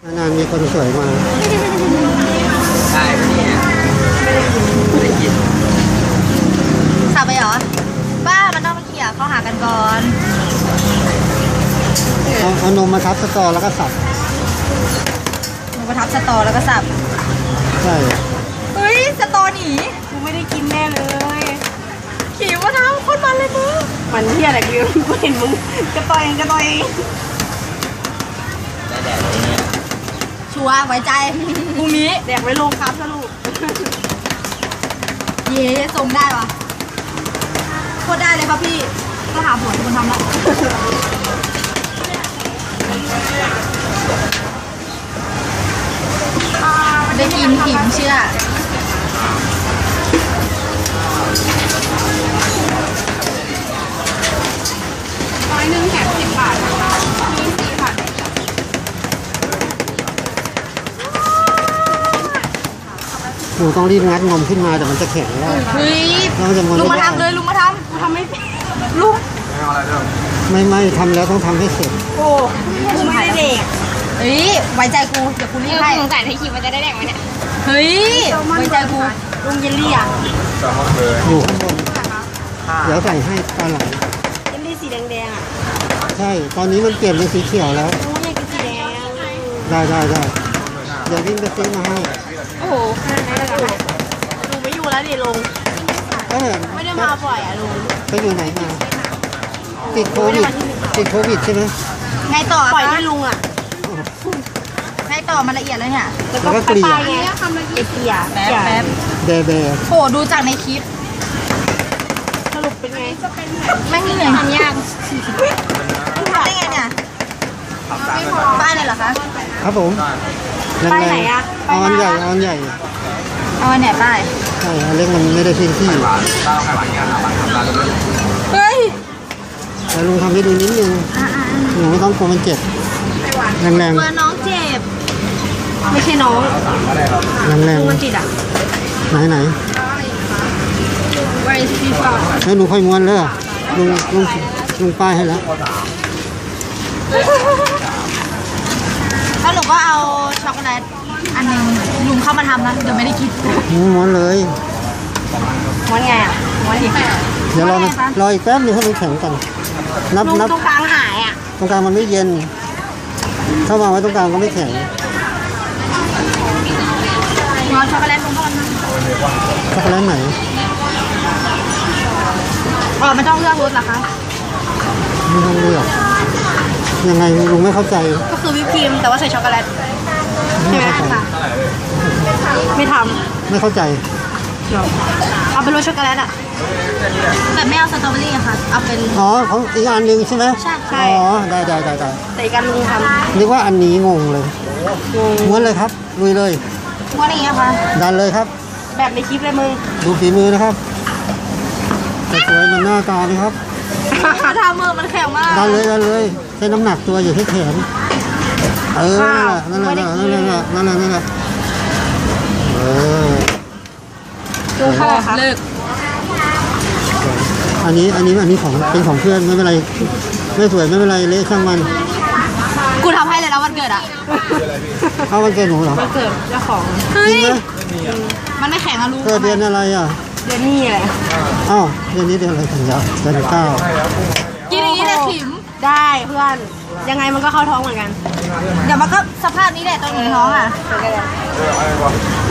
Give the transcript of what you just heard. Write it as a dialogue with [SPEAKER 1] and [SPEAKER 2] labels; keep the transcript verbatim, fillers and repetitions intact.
[SPEAKER 1] นานๆมีคนสวยมา
[SPEAKER 2] ได้ปะเนี่ยไม่ได้กิน
[SPEAKER 3] สับไปเหรอบ้ามันต้องมาเขี่ยเข้าหากันก่อน
[SPEAKER 1] เอาเอานมมาทับสตอแล้วก็สับ
[SPEAKER 3] นมมาทับสตอแล้วก็สับ
[SPEAKER 1] ใช่
[SPEAKER 3] เฮ้ยสตอหนีกูไม่ได้กินแน่เลยขี่มาทำโคตรมันเลยมึง
[SPEAKER 4] มันเที่ยอะไรกูกูเห็นมึงกระต่อยกระต่อย
[SPEAKER 2] ได้แดดเลยเนี่ย
[SPEAKER 3] ชัวร์ไว้ใจพรุ่งนี้
[SPEAKER 4] แดกไว้ลงครับสรุป
[SPEAKER 3] เย้ส่งได้ปะโคตรได้เลยครับพี่ก็หาผัวที่มันทำแล้วได้กินถิ่มเชื่อ
[SPEAKER 4] ร้อยหนึ่งแถมสิบบาทนะคะมีสี่บาท
[SPEAKER 1] หนูต้องรีบงัดนมขึ้นมาแต่มันจะแข็งแล้ว
[SPEAKER 3] เฮ้ยลุงมาทำเลยลุงมาทำกูทำไม่ลุง
[SPEAKER 1] ไม่ไม่ทำแล้วต้องทำให้เสร็จ
[SPEAKER 4] โอ้กูไม่ได้เด็ก
[SPEAKER 3] เฮ้ยไว้ใจกูเดี๋ยวกูรีบให้
[SPEAKER 4] สงสัยให้คิดมันจะได้แดกไหมเนี่ย
[SPEAKER 3] เฮ้ยไว้ใจกู
[SPEAKER 4] ลุงเยลลี่อ่ะ
[SPEAKER 1] อยู่ข้างบนเดี๋ยวใส่ให้ตอนหลัง
[SPEAKER 4] เยลลี่สีแดงๆอ่ะ
[SPEAKER 1] ใช่ตอนนี้มันเปลี่ยนเป็นสีเขียวแล้ว
[SPEAKER 4] ลุงอยากกินสีแดง
[SPEAKER 1] ได้ได้ได้เดี๋ยววิ่งไปซื้อมาให้
[SPEAKER 4] โอ้โหลุงไม่อยู่แล้วดิลุงไม่ได้มาบ่อยอ่ะลุง
[SPEAKER 1] ไปอยู่ไหนมาติดโควิดติดโควิดใช่ไหม
[SPEAKER 3] ไงต่อ
[SPEAKER 4] ปล่อยให้ลุงอ่ะ
[SPEAKER 3] ไงต่อมันละเอียดเลยเนี่ย
[SPEAKER 1] แล้วก็เกลี่ย
[SPEAKER 4] ไงทำละเอียดเกลี่ย
[SPEAKER 3] แป๊บแป๊บ
[SPEAKER 1] เบเบ
[SPEAKER 3] โหดูจากในคลิป
[SPEAKER 4] สรุปเป็นไง
[SPEAKER 3] ไม่เหนื่อยทำยากทำได้ไงเนี่ยป้ายเลยเหรอคะ
[SPEAKER 1] ครับผม
[SPEAKER 4] ป้ายไหนอ่ะ
[SPEAKER 1] เอาอันใหญ่เอาอันใหญ่
[SPEAKER 3] เอาอันไหนป้าย
[SPEAKER 1] ใช่อันเล็กมันไม่ได้พื้นที่
[SPEAKER 3] เฮ้ย
[SPEAKER 1] แต่ลุงทำให้ดูนิดนึงหนูไม่ต้องกลัวมันเจ็บแรงแรง
[SPEAKER 3] กลัวน้องเจ็บ
[SPEAKER 4] ไม่ใช่น้อง
[SPEAKER 1] แรงแรง
[SPEAKER 4] มันติดอ่ะ
[SPEAKER 1] ไหนไหน
[SPEAKER 4] Where is he from
[SPEAKER 1] ให้หนูค่อยม้วนเลยลุงลุงลุงป้ายให้แล้ว
[SPEAKER 3] แล้วหนูก็เอาช็อกโกแลตอันนึงลุงเข้ามาทำนะเดี๋ยวไม่ได้กิน
[SPEAKER 1] ม้วนเลย
[SPEAKER 4] ม้วนไงอ่ะม้วนดิ
[SPEAKER 1] เดี๋ยวรอรออีกแป๊บนึงให้มันแข็งก่อนนับนับ
[SPEAKER 4] ตรงกลางหายอ่ะ
[SPEAKER 1] ตรงกลางมันไม่เย็นถ้าวางไว้ตรงกลางก็ไม่แข็ง
[SPEAKER 3] เอาช็อกโกแลตลงก่อนนะ
[SPEAKER 1] ช็อกโกแลตไหน
[SPEAKER 3] อ๋อไม่ต้องเลือกรสเหรอคะ
[SPEAKER 1] ไม่ต้องเลือกยังไงลุงไม่เข้าใจ
[SPEAKER 4] ก็คือวิปครีมแต่ว่าใส่ช็อกโกแลตใช่ไหมคะไม่ท
[SPEAKER 1] ำไม่เข้าใจ
[SPEAKER 4] เอาเป็นรสช็อกโกแลตอ่ะ
[SPEAKER 3] แต่ไม่เอาสตรอเบอรี่อะค่ะเอาเป็น
[SPEAKER 1] อ๋อของอีกอันหนึ่งใช่ไหม
[SPEAKER 3] ใช่ใช่
[SPEAKER 1] อ๋อได้ได้ได้ได้
[SPEAKER 4] แต่อีกอันลุงท
[SPEAKER 1] ำนึกว่าอันนี้งงเลยม้วนเลยครับลุยเลย
[SPEAKER 3] ม้วนอย่างเงี้ยค่ะ
[SPEAKER 1] ดันเลยครับ
[SPEAKER 4] แบบในคลิปเลยมึง
[SPEAKER 1] ดูฝีมือนะครับแต่สวยมันหน้าตาเลยครับ
[SPEAKER 3] ทำมือมันแข็งมาก
[SPEAKER 1] ดันเลยดันเลยใช้น้ำหนักตัวอยู่ที่แขนเออนั่นแหละนั่นแหละนั่นแหละนั่นแหละนั่นแหละเออ
[SPEAKER 4] ดูเท่าไหร่คะ
[SPEAKER 3] เลิก
[SPEAKER 1] อันนี้อันนี้อันนี้ของเป็นของเพื่อนไม่เป็นไรไม่สวยไม่เป็นไรเละช่างมัน
[SPEAKER 3] กูทำให้เลยแล้ววันเกิดอ่ะ
[SPEAKER 1] เอาวันเกิดหนูเหรอ
[SPEAKER 4] วันเกิดเจ้าของ
[SPEAKER 1] จริงไหม
[SPEAKER 3] มันไม่แข็งอะลูก
[SPEAKER 1] เกิดเดือนอะไรอ่ะ
[SPEAKER 4] เดือนนี้อะไร
[SPEAKER 1] อ้าวเดือนนี้เดือนอะไรกันยาเดือนเก้า
[SPEAKER 3] กินอย่างนี้เลยขิม
[SPEAKER 4] ได้เพื่อนยังไงมันก็เข้าท้องเหมือนกัน
[SPEAKER 3] เดี๋ยวมันก็สภาพนี้แหละตอนอยู่ในท้องอ่ะ